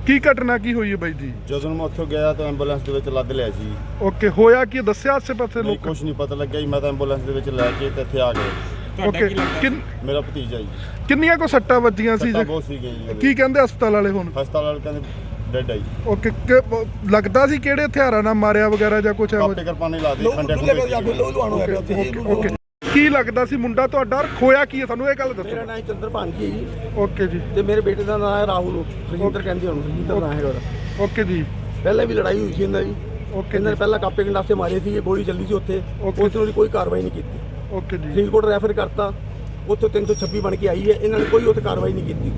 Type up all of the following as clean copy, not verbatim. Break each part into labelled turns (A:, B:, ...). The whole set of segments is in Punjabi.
A: ਕੀ ਘਟਨਾ ਕੀ ਹੋਈ ਹੈ ਬਾਈ ਜੀ?
B: ਜਦੋਂ ਮੈਂ ਉੱਥੋਂ ਗਿਆ ਤਾਂ ਐਂਬੂਲੈਂਸ ਦੇ ਵਿੱਚ ਲੱਦ ਲਿਆ ਸੀ।
A: ਓਕੇ, ਹੋਇਆ ਕੀ ਦੱਸਿਆ ਆਸੇ ਪਾਸੇ
B: ਨਹੀਂ
A: ਲੋਕ?
B: ਕੁਝ ਨਹੀਂ ਪਤਾ ਲੱਗਿਆ ਜੀ। ਮੈਂ ਤਾਂ ਐਂਬੂਲੈਂਸ ਦੇ ਵਿੱਚ ਲੈ ਕੇ ਤੇ ਇੱਥੇ ਆ ਗਏ।
A: ਓਕੇ,
B: ਮੇਰਾ ਭਤੀਜਾ ਜੀ।
A: ਕਿੰਨੀਆਂ ਕੋ ਸੱਟਾਂ ਵੱਜੀਆਂ ਸੀ?
B: ਸੱਟਾਂ ਬਹੁਤ ਸੀਗੀਆਂ ਜੀ ਉਹਦੇ।
A: ਕੀ ਕਹਿੰਦੇ ਹਸਪਤਾਲ ਵਾਲੇ ਹੁਣ?
B: ਹਸਪਤਾਲ ਵਾਲੇ ਕਹਿੰਦੇ ਡੈਡ ਆਈ।
A: ਓਕੇ, ਲੱਗਦਾ ਸੀ ਕਿਹੜੇ ਹਥਿਆਰਾਂ ਨਾਲ ਮਾਰਿਆ ਵਗੈਰਾ ਜਾਂ ਕੁਝ?
B: ਕਾਪੇ ਕਿਰਪਾਨੇ ਲਾ ਦੇ ਖੰਡੇ
A: ਓਕੇ, ਕੀ ਲੱਗਦਾ ਸੀ ਮੁੰਡਾ ਤੁਹਾਡਾ? ਖੋਇਆ ਕੀ ਹੈ ਤੁਹਾਨੂੰ ਇਹ ਗੱਲ ਦੱਸੋ।
C: ਮੇਰਾ ਨਾਮ ਚੰਦਰ ਭਾਨਜੀ ਹੈ ਜੀ।
A: ਓਕੇ ਜੀ।
C: ਤੇ ਮੇਰੇ ਬੇਟੇ ਦਾ ਨਾਮ ਹੈ ਰਾਹੁਲ। ਰਜਿੰਦਰ ਕਹਿੰਦੇ ਉਹਨੂੰ, ਰਜਿੰਦਰ ਨਾਮ ਹੈਗਾ ਉਹਦਾ।
A: ਓਕੇ ਜੀ।
C: ਪਹਿਲਾਂ ਵੀ ਲੜਾਈ ਹੋਈ ਸੀ ਇਹਨਾਂ ਦੀ।
A: ਓਕੇ,
C: ਇਹਨਾਂ ਨੇ ਪਹਿਲਾਂ ਕਾਪੇ ਗੰਡਾਸੇ ਮਾਰੇ ਸੀ, ਗੋਲੀ ਚੱਲੀ ਸੀ ਉੱਥੇ। ਉੱਥੇ ਉਹਦੀ ਕੋਈ ਕਾਰਵਾਈ ਨਹੀਂ ਕੀਤੀ।
A: ਓਕੇ ਜੀ।
C: ਫਰੀਦਕੋਟ ਰੈਫਰ ਕਰਤਾ, ਉੱਥੇ 326 ਬਣ ਕੇ ਆਈ ਹੈ। ਇਹਨਾਂ ਨੇ ਕੋਈ ਉੱਥੇ ਕਾਰਵਾਈ ਨਹੀਂ ਕੀਤੀ।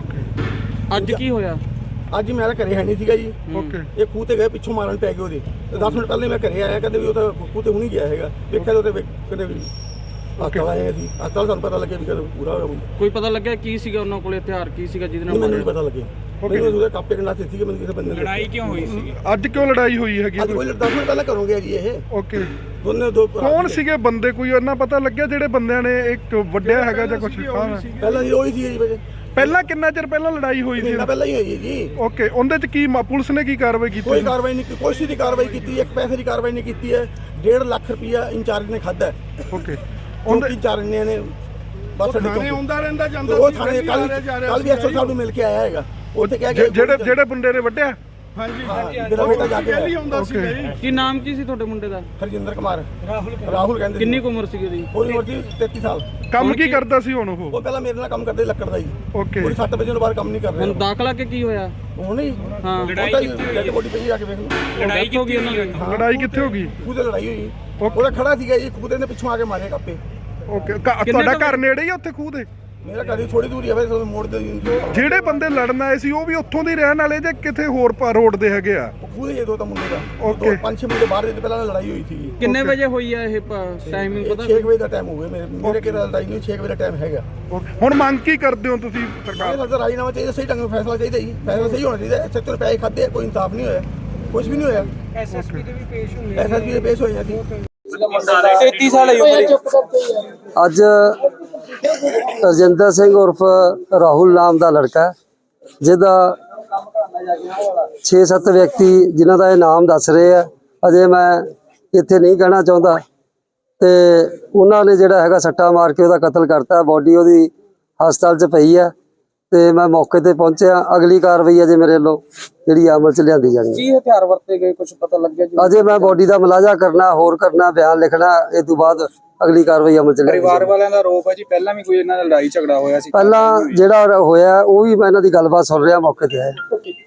A: ਓਕੇ,
D: ਅੱਜ ਕੀ ਹੋਇਆ?
C: ਅੱਜ ਮੇਰਾ ਘਰੇ ਹੈ ਨਹੀਂ ਸੀਗਾ ਜੀ।
A: ਓਕੇ,
C: ਇਹ ਖੂਹ ਤੇ ਗਏ, ਪਿੱਛੋਂ ਮਾਰਨ ਪੈ ਗਏ ਉਹਦੇ। ਤੇ 10 ਮਿੰਟ ਪਹਿਲੇ ਮੈਂ ਘਰੇ ਆਇਆ, ਕਹਿੰਦੇ ਵੀ ਉਹ ਤਾਂ ਖੂਹ ਤੇ ਹੁਣੀ ਗਿਆ ਹੈਗਾ। ਵੇਖਿਆ ਤਾਂ ਉਹਦੇ ਕਹਿੰਦੇ ਵੀ ਹਸਪਤਾਲ ਆਏ ਸੀ। ਹਸਪਤਾਲ ਸਾਨੂੰ ਪਤਾ ਲੱਗਿਆ ਵੀ ਕਦੋਂ ਪੂਰਾ ਹੋਇਆ ਮੁੰਡਾ।
D: ਕੋਈ ਪਤਾ ਲੱਗਿਆ ਕੀ ਸੀਗਾ ਉਹਨਾਂ ਕੋਲੇ, ਹਥਿਆਰ ਕੀ ਸੀਗਾ ਜਿਹਦੇ ਨਾਲ
C: ਮੈਨੂੰ ਨਹੀਂ ਪਤਾ ਲੱਗਿਆ। ਮੈਨੂੰ ਉਹਦੇ ਕਾਪੇ ਗੰਡਾਸੇ ਸੀਗੇ। ਮੈਨੂੰ ਕਿਸੇ ਬੰਦੇ ਨੇ
D: ਲੜਾਈ ਕਿਉਂ ਹੋਈ ਸੀ?
A: ਅੱਜ ਕਿਉਂ ਲੜਾਈ ਹੋਈ ਹੈਗੀ?
C: ਅੱਜ ਕੋਈ 10 ਮਿੰਟ ਪਹਿਲਾਂ ਘਰੋਂ ਗਿਆ ਜੀ ਇਹ।
A: ਓਕੇ,
C: ਦੋਨੇ ਦੋ
A: ਕੌਣ ਸੀਗੇ ਬੰਦੇ? ਕੋਈ ਉਹਨਾਂ ਪਤਾ ਲੱਗਿਆ ਜਿਹੜੇ ਬੰਦਿਆਂ ਨੇ ਇੱਕ ਵੱਡਿਆ ਹੈਗਾ ਜਾਂ ਕੁਝ?
C: ਪਹਿਲਾਂ ਜੀ ਉਹੀ ਸੀ ਜੀ ਵਜੇ।
A: ਪਹਿਲਾਂ ਕਿੰਨਾ ਚਿਰ ਪਹਿਲਾਂ ਲੜਾਈ ਹੋਈ ਸੀ?
C: ਮਹੀਨਾ ਪਹਿਲਾਂ ਹੀ ਹੋਈ ਹੈ ਜੀ।
A: ਓਕੇ, ਉਹਦੇ ਚ ਕੀ ਪੁਲਿਸ ਨੇ ਕੀ ਕਾਰਵਾਈ ਕੀਤੀ?
C: ਕੋਈ ਕਾਰਵਾਈ ਨਹੀਂ, ਕੋਈ ਦੀ ਕਾਰਵਾਈ ਕੀਤੀ, ਇੱਕ ਪੈਸੇ ਦੀ ਕਾਰਵਾਈ ਨਹੀਂ ਕੀਤੀ ਹੈ। 1.5 ਲੱਖ ਰੁਪਇਆ ਇੰਚਾਰਜ ਨੇ ਖਾਦਾ।
A: ਓਕੇ,
C: ਉਹਦੇ ਇੰਚਾਰਜ ਨੇ ਬਸ
A: ਥਾਣੇ ਆਉਂਦਾ ਰਹਿੰਦਾ ਜਾਂਦਾ
C: ਉਹ ਥਾਣੇ ਕੱਲ ਵੀ ਐਸਓ ਸਾਹਿਬ ਨੂੰ ਮਿਲ ਕੇ ਆਇਆ ਹੈਗਾ। ਉੱਥੇ ਕਹਿ ਕੇ
A: ਜਿਹੜੇ ਬੰਦੇ ਨੇ ਵੱਢਿਆ?
C: ਹਾਂਜੀ, ਮੇਰਾ ਬੇਟਾ ਜਾ ਕੇ ਆਇਆ।
A: ਓਕੇ,
D: ਕੀ ਨਾਮ ਕੀ ਸੀ ਤੁਹਾਡੇ ਮੁੰਡੇ ਦਾ?
C: ਹਰਜਿੰਦਰ ਕੁਮਾਰ। ਰਾਹੁਲ ਕਹਿੰਦੇ।
D: ਕਿੰਨੀ ਕੁ ਉਮਰ ਸੀ ਉਹਦੀ?
C: ਉਹਦੀ ਉਮਰ ਸੀ 33 ਸਾਲ।
A: ਕੰਮ ਕੀ ਕਰਦਾ ਸੀ ਹੁਣ ਉਹ?
C: ਉਹ ਪਹਿਲਾਂ ਮੇਰੇ ਨਾਲ ਕੰਮ ਕਰਦੇ ਲੱਕੜ ਦਾ ਜੀ।
A: ਓਕੇ,
C: ਪੂਰੀ 7 ਵਜੇ ਤੋਂ ਬਾਅਦ ਕੰਮ ਨਹੀਂ ਕਰ
D: ਹੁਣ
C: ਰਿਹਾ।
D: ਦਾਖਲਾ ਕਿ ਕੀ ਹੋਇਆ?
C: ਹੁਣ ਹੀ
D: ਹਾਂ,
C: ਡੈਡ ਬੋਡੀ ਪਈ ਜਾ ਕੇ ਵੇਖ ਲਓ।
D: ਲੜਾਈ ਹੋ ਗਈ ਉਹਨਾਂ ਦੀ?
A: ਲੜਾਈ ਕਿੱਥੇ ਹੋ ਗਈ?
C: ਖੂਹ ਤੇ ਲੜਾਈ ਹੋਈ। ਉਹਦਾ ਖੜਾ ਸੀਗਾ ਜੀ, ਖੂਹ ਦੇ ਪਿੱਛੋਂ ਆ ਕੇ ਮਾਰੇ ਕਾਪੇ।
A: ਓਕੇ, ਤੁਹਾਡਾ ਘਰ ਨੇੜੇ ਹੀ ਆ ਉੱਥੇ ਖੂਹ ਦੇ?
C: ਮੇਰਾ ਘਰ ਹੀ ਥੋੜੀ ਦੂਰੀ ਆ ਵੈਸੇ ਮੋੜ ਦੇ।
A: ਜਿਹੜੇ ਬੰਦੇ ਲੜਨ ਆਏ ਸੀ ਉਹ ਵੀ ਉੱਥੋਂ ਦੇ ਰਹਿਣ ਵਾਲੇ ਜਾਂ ਕਿਤੇ ਹੋਰ ਰੋਡ ਦੇ ਹੈਗੇ ਆ?
C: ਖੂਹ ਦੇ ਦੋ ਤਾਂ ਮੁੰਡੇ ਦਾ।
A: ਓਕੇ।
C: 5-6 ਮੁੰਡੇ ਬਾਹਰ ਦੇ ਪਹਿਲਾਂ ਲੜਾਈ ਹੋਈ ਸੀ।
D: ਕਿੰਨੇ ਵਜੇ ਹੋਈ ਆ ਇਹ ਟਾਈਮਿੰਗ ਪਤਾ?
C: 6 ਵਜੇ ਦਾ ਟਾਈਮ ਹੋ ਗਿਆ। ਮੇਰੇ ਕਿਹੜਾ ਲੜਾਈ ਨਹੀਂ, 6 ਵਜੇ ਦਾ ਟਾਈਮ ਹੈਗਾ।
A: ਹੁਣ ਮੰਗ ਕੀ ਕਰਦੇ ਹੋ ਤੁਸੀਂ ਸਰਕਾਰ?
C: ਇਹ ਰਾਜੀਨਾਮਾ ਚਾਹੀਦਾ, ਸਹੀ ਢੰਗ ਨਾਲ ਫੈਸਲਾ ਚਾਹੀਦਾ ਜੀ। ਫੈਸਲਾ ਸਹੀ ਹੋਣਾ ਚਾਹੀਦਾ। ਐਸਐਚਓ ਨੇ ਪੈਸੇ ਖਾਦੇ, ਕੋਈ ਇਨਸਾਫ ਨਹੀਂ ਹੋਇਆ, ਕੁਝ ਵੀ ਨਹੀਂ ਹੋਇਆ। ਐਸਐਸਪੀ ਦੇ ਵੀ ਪੇਸ਼ ਹੋਏ। ਐਸਐਸਪੀ ਦੇ ਪੇਸ਼ ਹੋਏ ਸੀ।
D: 33 ਸਾਲ ਹੈ ਉਮਰ।
E: ਅੱਜ ਰਜਿੰਦਰ ਸਿੰਘ ਉਰਫ ਰਾਹੁਲ ਨਾਮ ਦਾ ਲੜਕਾ ਜਿਹਦਾ 6-7 ਵਿਅਕਤੀ ਜਿਨ੍ਹਾਂ ਦਾ ਇਹ ਨਾਮ ਦੱਸ ਰਹੇ ਆ, ਅਜੇ ਮੈਂ ਇੱਥੇ ਨਹੀਂ ਕਹਿਣਾ ਚਾਹੁੰਦਾ, ਤੇ ਉਹਨਾਂ ਨੇ ਜਿਹੜਾ ਹੈਗਾ ਸੱਟਾ ਮਾਰ ਕੇ ਉਹਦਾ ਕਤਲ ਕਰਤਾ। ਬੋਡੀ ਉਹਦੀ ਹਸਪਤਾਲ 'ਚ ਪਈ ਹੈ ਤੇ ਮੈਂ ਮੌਕੇ ਤੇ ਪਹੁੰਚਿਆ। ਅਗਲੀ ਕਾਰਵਾਈ ਅਜੇ ਮੇਰੇ ਵੱਲੋਂ ਜਿਹੜੀ ਅਮਲ 'ਚ ਲਿਆਂਦੀ ਜਾਣੀ ਹੈ।
D: ਕੀ ਹਥਿਆਰ ਵਰਤੇ ਗਏ ਕੁਝ ਪਤਾ ਲੱਗਿਆ ਜੀ?
E: ਅਜੇ ਮੈਂ ਬੋਡੀ ਦਾ ਮੁਲਾਜ਼ਾ ਕਰਨਾ, ਹੋਰ ਕਰਨਾ, ਬਿਆਨ ਲਿਖਣਾ, ਇਹ ਤੋਂ ਬਾਅਦ ਅਗਲੀ ਕਾਰਵਾਈ ਅਮਲ 'ਚ ਲਿਆਂਦੀ ਜਾਣੀ।
D: ਪਰਿਵਾਰ ਵਾਲਿਆਂ ਦਾ ਆਰੋਪ ਹੈ ਜੀ ਪਹਿਲਾਂ ਵੀ ਕੋਈ ਇਹਨਾਂ ਦਾ ਲੜਾਈ ਝਗੜਾ ਹੋਇਆ ਸੀ?
E: ਪਹਿਲਾਂ ਜਿਹੜਾ ਹੋਇਆ ਉਹ ਵੀ ਮੈਂ ਇਹਨਾਂ ਦੀ ਗੱਲਬਾਤ ਸੁਣ ਰਿਹਾ, ਮੌਕੇ ਤੇ ਆਇਆ।